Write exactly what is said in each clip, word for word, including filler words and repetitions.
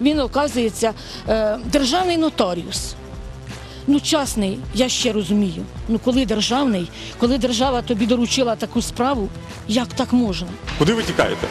він, оказується, державний нотаріус. Ну, частний, я ще розумію. Ну, коли державний, коли держава тобі доручила таку справу, як так можна? Куди ви тікаєте?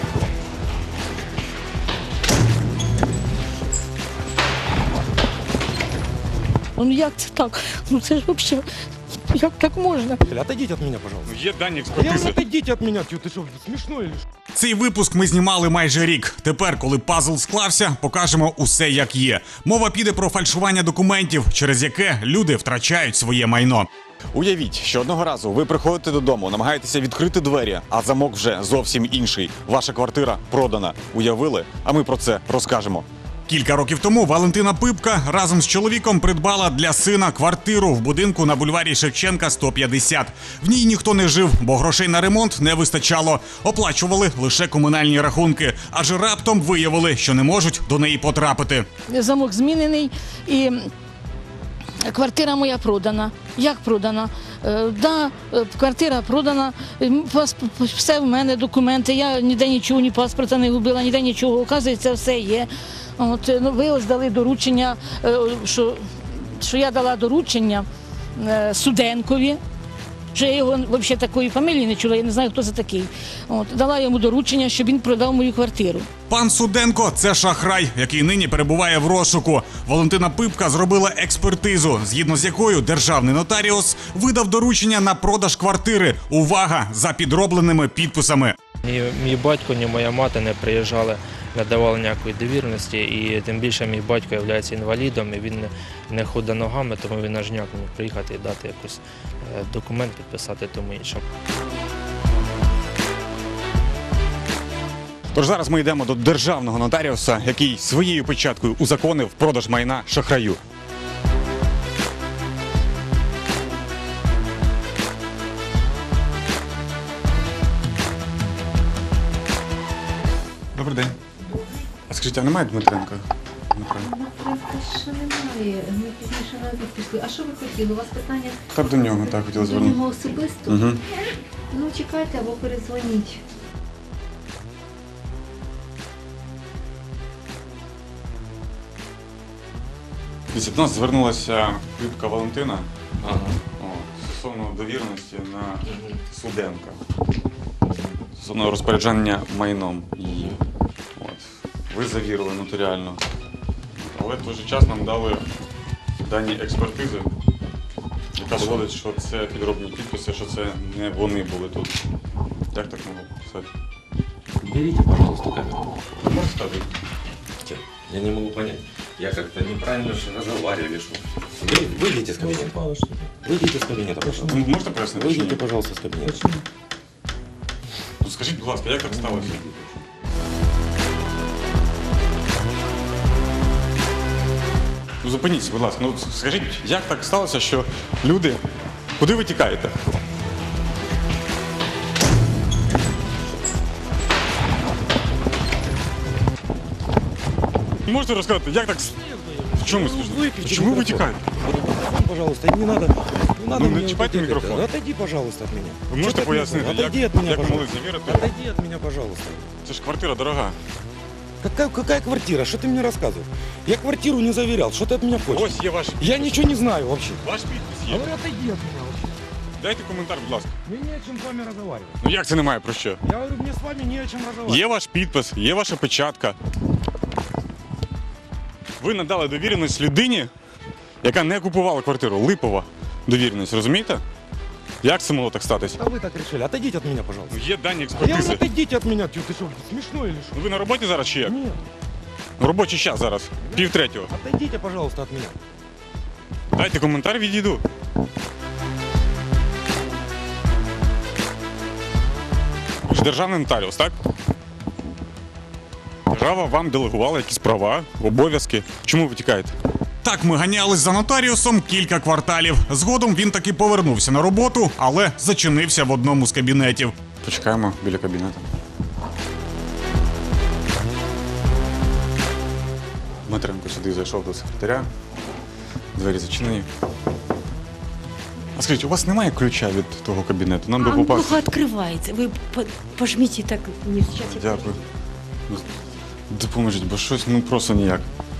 Ну, як це так? Ну, це ж взагалі, як так можна? Отойдите от меня, пожалуйста. Є дані Я говорю, експертизи. отойдите от меня, ты, ты что, смешно или что? Цей випуск ми знімали майже рік. Тепер, коли пазл склався, покажемо усе як є. Мова піде про фальшування документів, через яке люди втрачають своє майно. Уявіть, що одного разу ви приходите додому, намагаєтеся відкрити двері, а замок вже зовсім інший. Ваша квартира продана. Уявили? А ми про це розкажемо. Кілька років тому Валентина Пипка разом з чоловіком придбала для сина квартиру в будинку на бульварі Шевченка сто п'ятдесят. В ній ніхто не жив, бо грошей на ремонт не вистачало. Оплачували лише комунальні рахунки, аж раптом виявили, що не можуть до неї потрапити. Замок змінений і квартира моя продана. Як продана? Е, да, е, квартира продана, е, пасп- все в мене, документи, я ніде нічого, ні паспорта не губила, ніде нічого, оказується, все є. От, е, ну, ви ось дали доручення, е, що, що я дала доручення е, Суденкові, що я його взагалі такої фамілії не чула, я не знаю, хто це такий. От, дала йому доручення, щоб він продав мою квартиру. Пан Суденко – це шахрай, який нині перебуває в розшуку. Валентина Пипка зробила експертизу, згідно з якою державний нотаріус видав доручення на продаж квартири. Увага! За підробленими підписами. Ні мій батько, ні моя мати не приїжджали, не давали ніякої довіреності, і тим більше мій батько є інвалідом, і він не, не ходить ногами, тому він аж ніяк не міг приїхати і дати якийсь документ, підписати тому іншому. Тож зараз ми йдемо до державного нотаріуса, який своєю печаткою узаконив продаж майна шахраю. Добрий день. А скажіть, а немає Дмитренка? Що немає, ми пізніше на обід пішли. А що ви хотіли? У вас питання Так до нього так хотіла до звернути. нього особисто? Угу. Ну чекайте або передзвоніть. Дивіться, до нас звернулася Пипка Валентина ага. От, стосовно довіреності на Суденка. Стосовно розпорядження майном її. От. Ви завірили нотаріально. Але в той же час нам дали дані експертизи, яка доводить, що це підробні підписи, що це не вони були тут. Як так могло писати? Берите, пожалуйста, камеру. Розказуйте. Я не могу понять. Я как-то неправильно же разговаривали. Что... Вы, выйдите с кабинета. Выйдите с кабинета, пожалуйста. Ви можете пояснити? чи ні? Выйдите, пожалуйста, с кабинета. Ну, скажіть, будь ласка, як так сталося? Ну, зупиніться, будь ласка. Ну, скажіть, як так сталося, що люди... Куди ви тікаєте? Можете розказати, як так... с- В чому смішно? Выключи Чому ви микрофон. тікаєте? Пожалуйста, не надо. Не надо Ну, не мне чипайте вот это. микрофон. Да Отойди, пожалуйста, от меня. Ви можете Что ты от меня? пояснити, як, Отойди от меня, як ви могли пожалуйста. завірити? Отойди от меня, пожалуйста. Це ж квартира дорога. Какая, какая квартира? Что ты мне рассказываешь? Я квартиру не заверял. Что ты от меня хочешь? Ось є ваш підпис. Я ничего не знаю вообще. Ваш підпис є. Говорю, отойди от меня вообще. Дайте коментар, будь ласка. Мне не о чем с вами разговаривать. Ну як це немає про що? Я говорю, мне с вами не о чем разговаривать. Є ваш підпис, є ваша печатка. Ви надали довіреність людині, яка не купувала квартиру. Липова довіреність, розумієте? Як це могло так статись? А вы так решили. Отойдите от меня, пожалуйста. Ну, є дані Я експертизи. говорю, отойдите от меня. Ты, ты что, смешно или что? Ну, ви на роботі зараз чи як? Нет. Робочий час зараз, пів третього. Отойдите, пожалуйста, от меня. Дайте коментар, відійду. Ви ж державний нотаріус, так? Держава вам делегувала якісь права, обов'язки. Чому ви тікаєте? Так ми ганялись за нотаріусом кілька кварталів. Згодом він таки повернувся на роботу, але зачинився в одному з кабінетів. Почекаємо біля кабінету. Дмитренко сюди зайшов до секретаря. Двері зачинені. А скажіть, у вас немає ключа від того кабінету? Нам би А попасти. плохо открывается. Вы по- пожмите так. Не, сейчас я Дякую. Ну, допоможіть, бо щось ну просто ніяк.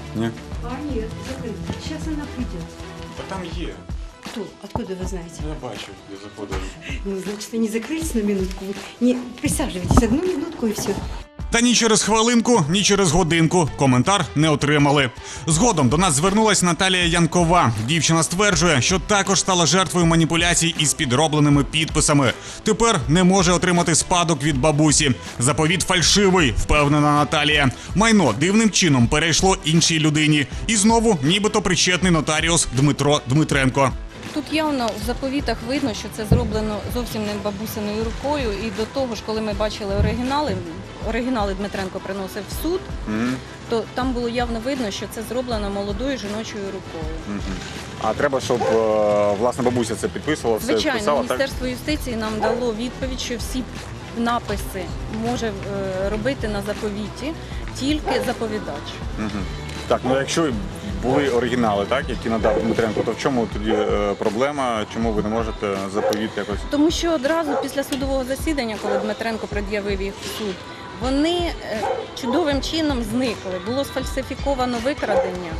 Ні? А, нет, закрыто. Сейчас она придет. Та там є. Кто? Откуда вы знаете? Я бачу, я заходив. Ну, значит, они закрылись на минутку. Не, присаживайтесь, одну минутку и все. Та ні через хвилинку, ні через годинку коментар не отримали. Згодом до нас звернулась Наталія Янкова. Дівчина стверджує, що також стала жертвою маніпуляцій із підробленими підписами. Тепер не може отримати спадок від бабусі. Заповіт фальшивий, впевнена Наталія. Майно дивним чином перейшло іншій людині. І знову нібито причетний нотаріус Дмитро Дмитренко. Тут явно в заповітах видно, що це зроблено зовсім не бабусиною рукою. І до того ж, коли ми бачили оригінали, оригінали Дмитренко приносив в суд, Угу. то там було явно видно, що це зроблено молодою жіночою рукою. Угу. А треба, щоб е, власне бабуся це підписувала, все Звичайно, писала, так? Міністерство юстиції нам дало відповідь, що всі написи може е, робити на заповіті тільки заповідач. Угу. Так, ну якщо були оригінали, так, які надав Дмитренко, то в чому тоді е, проблема? Чому ви не можете заповіт якось? Тому що одразу після судового засідання, коли Дмитренко пред'явив їх в суд, вони е, чудовим чином зникли. Було сфальсифіковано викрадення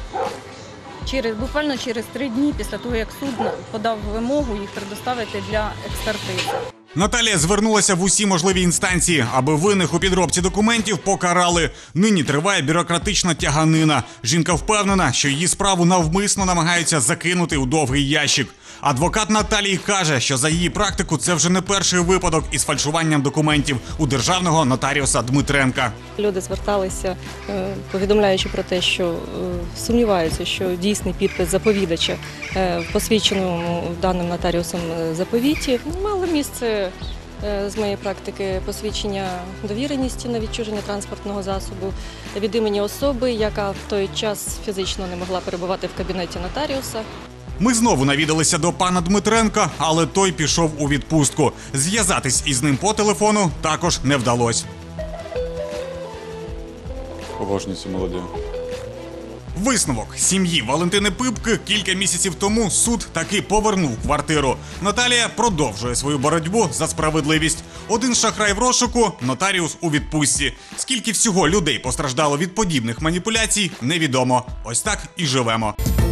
через, буквально через три дні після того, як суд подав вимогу їх предоставити для експертизи. Наталія звернулася в усі можливі інстанції, аби винних у підробці документів покарали. Нині триває бюрократична тяганина. Жінка впевнена, що її справу навмисно намагаються закинути у довгий ящик. Адвокат Наталії каже, що за її практику це вже не перший випадок із фальшуванням документів у державного нотаріуса Дмитренка. Люди зверталися, е, повідомляючи про те, що е, сумніваються, що дійсний підпис заповідача е, в посвідченому даним нотаріусом е, заповіті. Мало місце е, з моєї практики посвідчення довіреності на відчуження транспортного засобу від імені особи, яка в той час фізично не могла перебувати в кабінеті нотаріуса. Ми знову навідалися до пана Дмитренка, але той пішов у відпустку. Зв'язатись із ним по телефону також не вдалося. Обожнюю цю молоді. Висновок сім'ї Валентини Пипки кілька місяців тому суд таки повернув квартиру. Наталія продовжує свою боротьбу за справедливість. Один шахрай в розшуку, нотаріус у відпустці. Скільки всього людей постраждало від подібних маніпуляцій, невідомо. Ось так і живемо.